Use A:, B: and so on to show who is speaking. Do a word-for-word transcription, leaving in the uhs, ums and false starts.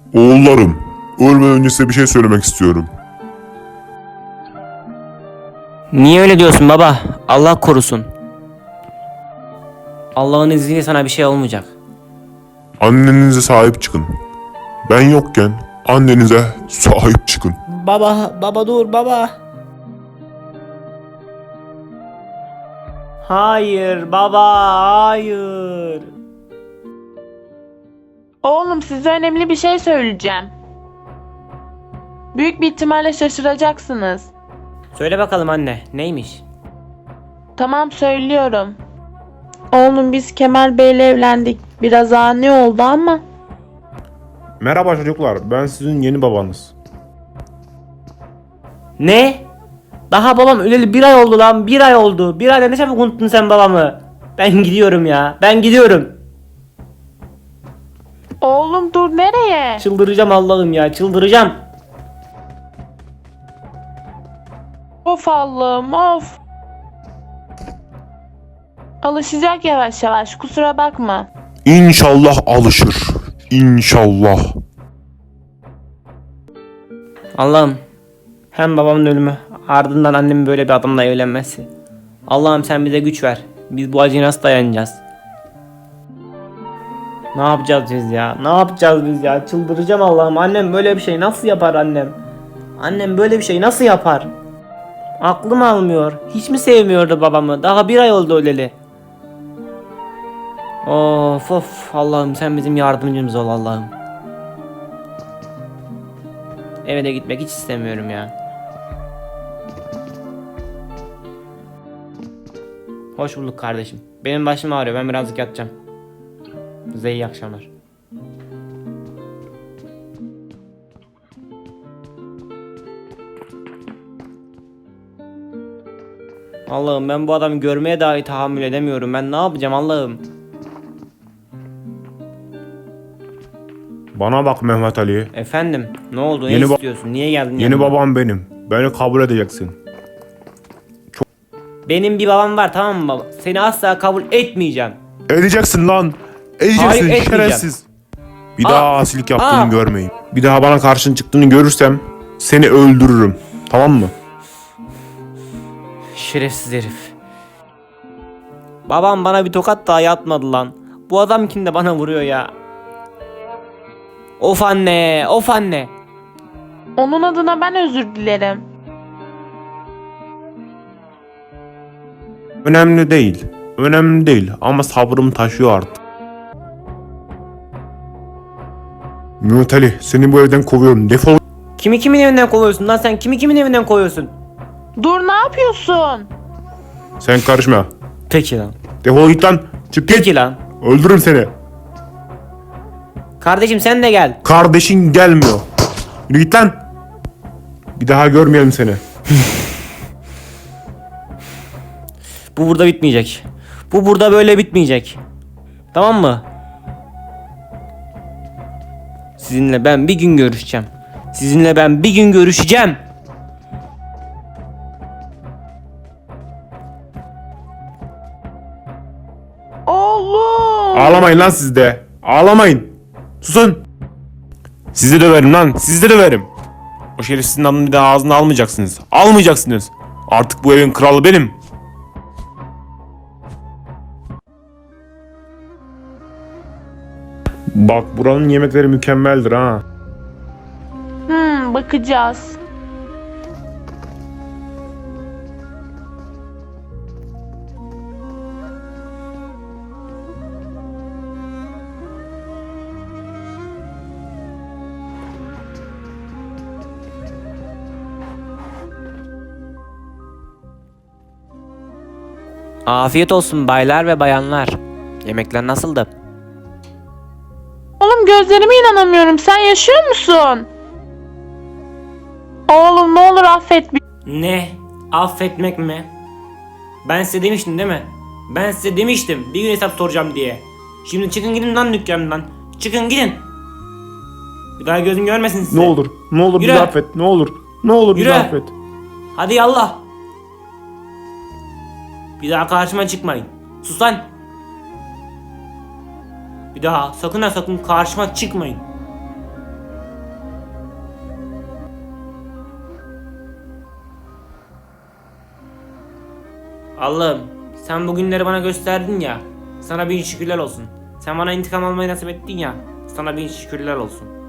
A: Oğullarım, ölmeden önce size bir şey söylemek istiyorum.
B: Niye öyle diyorsun baba? Allah korusun. Allah'ın izniyle sana bir şey olmayacak.
A: Annenize sahip çıkın. Ben yokken annenize sahip çıkın.
B: Baba, baba dur baba. Hayır baba, hayır.
C: Oğlum size önemli bir şey söyleyeceğim. Büyük bir ihtimalle şaşıracaksınız.
B: Söyle bakalım anne, neymiş?
C: Tamam söylüyorum. Oğlum biz Kemal Bey'le evlendik. Biraz ani oldu ama.
D: Merhaba çocuklar, ben sizin yeni babanız.
B: Ne? Daha babam öleli bir ay oldu lan, bir ay oldu. Bir ayda ne çabuk unuttun sen babamı. Ben gidiyorum ya, ben gidiyorum.
C: Oğlum dur nereye?
B: Çıldıracağım Allah'ım ya, çıldıracağım.
C: Of Allah'ım of. Alışacak yavaş yavaş, kusura bakma.
A: İnşallah alışır. İnşallah.
B: Allah'ım, hem babamın ölümü, ardından annemin böyle bir adamla evlenmesi. Allah'ım sen bize güç ver. Biz bu acıya nasıl dayanacağız? Ne yapacağız biz ya? Ne yapacağız biz ya? Çıldıracağım Allah'ım. Annem böyle bir şey nasıl yapar annem? Annem böyle bir şey nasıl yapar? Aklım almıyor. Hiç mi sevmiyordu babamı? Daha bir ay oldu öleli. Of of Allah'ım sen bizim yardımcımız ol Allah'ım. Eve de gitmek hiç istemiyorum ya. Hoş bulduk kardeşim. Benim başım ağrıyor. Ben birazcık yatacağım. Size iyi akşamlar. Allah'ım ben bu adamı görmeye dahi tahammül edemiyorum. Ben ne yapacağım Allah'ım?
D: Bana bak Mehmet Ali,
B: Efendim ne oldu? Ne
D: Yeni ba-
B: istiyorsun? Niye geldin
D: yeni
B: yanıma?
D: babam benim. Beni kabul edeceksin.
B: Benim bir babam var tamam mı baba? Seni asla kabul etmeyeceğim.
D: Edeceksin lan. Edeceksin
B: Hayır, etmeyeceğim.
D: şerefsiz. Bir
B: Aa,
D: daha asilik yaptığını
B: aa.
D: görmeyeyim. Bir daha bana karşın çıktığını görürsem seni öldürürüm. Tamam mı?
B: Şerefsiz herif. Babam bana bir tokat daha yatmadı lan. Bu adam kim de bana vuruyor ya. Of anne, of anne.
C: Onun adına ben özür dilerim.
D: Önemli değil. Önemli değil ama sabrım taşıyor artık. Mehmet Ali, seni bu evden kovuyorum. Defol.
B: Kimi kimin evinden kovuyorsun lan sen? Kimi kimin evinden kovuyorsun?
C: Dur ne yapıyorsun?
D: Sen karışma.
B: Peki lan.
D: Defol git lan. Çık git.
B: Peki lan.
D: Öldürürüm seni.
B: Kardeşim sen de gel.
D: Kardeşin gelmiyor. Yürü git lan. Bir daha görmeyelim seni.
B: Bu burada bitmeyecek. Bu burada böyle bitmeyecek. Tamam mı? Sizinle ben bir gün görüşeceğim. Sizinle ben bir gün görüşeceğim.
C: Oğlum.
D: Ağlamayın lan siz de. Ağlamayın. Susun. Sizi döverim lan. Sizi de döverim. O şerefsizin adını bir daha ağzına almayacaksınız. Almayacaksınız. Artık bu evin kralı benim. Bak buranın yemekleri mükemmeldir ha.
C: Hmm, bakacağız.
B: Afiyet olsun baylar ve bayanlar. Yemekler nasıldı?
C: Oğlum gözlerime inanamıyorum. Sen yaşıyor musun? Oğlum ne olur affet beni.
B: Ne? Affetmek mi? Ben size demiştim değil mi? Ben size demiştim bir gün hesap soracağım diye. Şimdi çıkın gidin lan dükkanımdan. Çıkın gidin. Bir daha gözüm görmesin sizi.
D: Ne olur. Ne olur
B: Yürü.
D: bizi affet. Ne olur. Ne olur bizi
B: Yürü.
D: affet.
B: Hadi yallah. Bir daha karşıma çıkmayın. Sus lan. Bir daha sakın ha sakın karşıma çıkmayın. Allah'ım sen bugünleri bana gösterdin ya. Sana bin şükürler olsun. Sen bana intikam almayı nasip ettin ya. Sana bin şükürler olsun.